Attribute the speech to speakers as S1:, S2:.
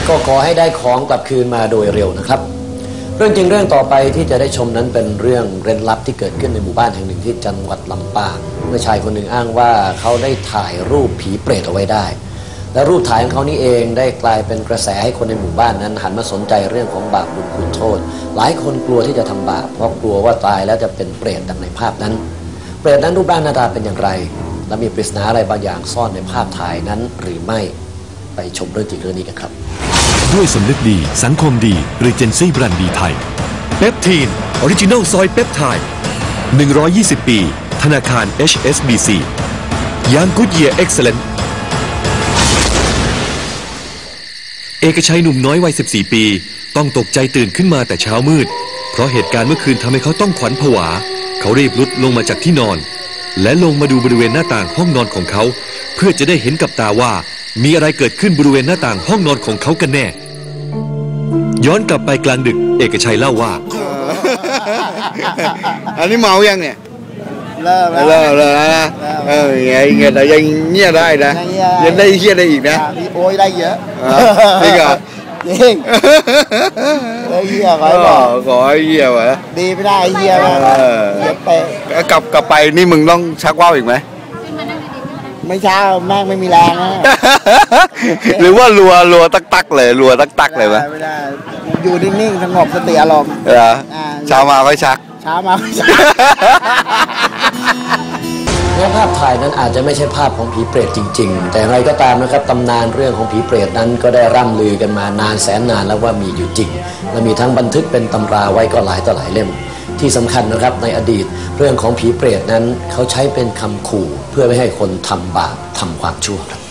S1: ก็ขอให้ได้ของกลับคืนมาโดยเร็วนะครับเรื่องจริงเรื่องต่อไปที่จะได้ชมนั้นเป็นเรื่องเร้นลับที่เกิดขึ้นในหมู่บ้านแห่งหนึ่งที่จังหวัดลำปางเมื่อชายคนหนึ่งอ้างว่าเขาได้ถ่ายรูปผีเปรตเอาไว้ได้และรูปถ่ายของเขานี้เองได้กลายเป็นกระแสให้คนในหมู่บ้านนั้นหันมาสนใจเรื่องของบาปบุญคุณโทษหลายคนกลัวที่จะทำบาปเพราะกลัวว่าตายแล้วจะเป็นเปรตดังในภาพนั้นเปรตนั้นรูปร่างหน้าตาเป็นอย่างไรและมีปริศนาอะไรบางอย่างซ่อนในภาพถ่ายนั้นหรือไม่ไปชมเรื่องจริงเรื่องนี้กันครับ
S2: ด้วยสำนึกดีสังคมดีหรือเจนซี่แบรนด์ดีไทยเปปทีนออริจินัลซอยเปปไทด์120 ปีธนาคาร HSBC ยางกู๊ดเยียร์เอ็กซ์แลนต์เอกชัยหนุ่มน้อยวัย14 ปีต้องตกใจตื่นขึ้นมาแต่เช้ามืดเพราะเหตุการณ์เมื่อคืนทำให้เขาต้องขวัญผวาเขารีบลุกลงมาจากที่นอนและลงมาดูบริเวณหน้าต่างห้องนอนของเขาเพื่อจะได้เห็นกับตาว่ามีอะไรเกิดขึ้นบริเวณหน้าต่างห้องนอนของเขากันแน่ย้อนกลับไปกลางดึกเอกชัยเล่าว่า
S3: อันนี้เมายังเนี่ย
S4: เริ่ม
S3: นะไงแต่ยังเงียบได้นะยังได้เงียบได้อีกนะ
S4: โอ้ยได้เยอะ
S3: จริงเหรอ
S4: จริงได้เหี้ย
S3: ขอให้เหี้ยวะ
S4: ดีไม่ได้เหี้ยเหี้ยไป
S3: กลับไปนี่มึงต้องชักว่าวอีกไหม
S4: ไม่เช้าแม่งไม่มีแรงนะ
S3: หรือว่ารัวตักเลยรัวตักเลยไหม
S4: ไม่ได้อยู่นิ่งๆสงบสติอารมณ์
S3: เช้ามาค่อยชัก
S1: แม้ภาพถ่ายนั้นอาจจะไม่ใช่ภาพของผีเปรตจริงๆแต่อย่างไรก็ตามนะครับตำนานเรื่องของผีเปรตนั้นก็ได้ร่ำลือกันมานานแสนนานแล้วว่ามีอยู่จริงและมีทั้งบันทึกเป็นตำราไว้ก็หลายต่อหลายเล่มที่สำคัญนะครับในอดีตเรื่องของผีเปรตนั้นเขาใช้เป็นคำขู่เพื่อไม่ให้คนทำบาปทำความชั่วครับ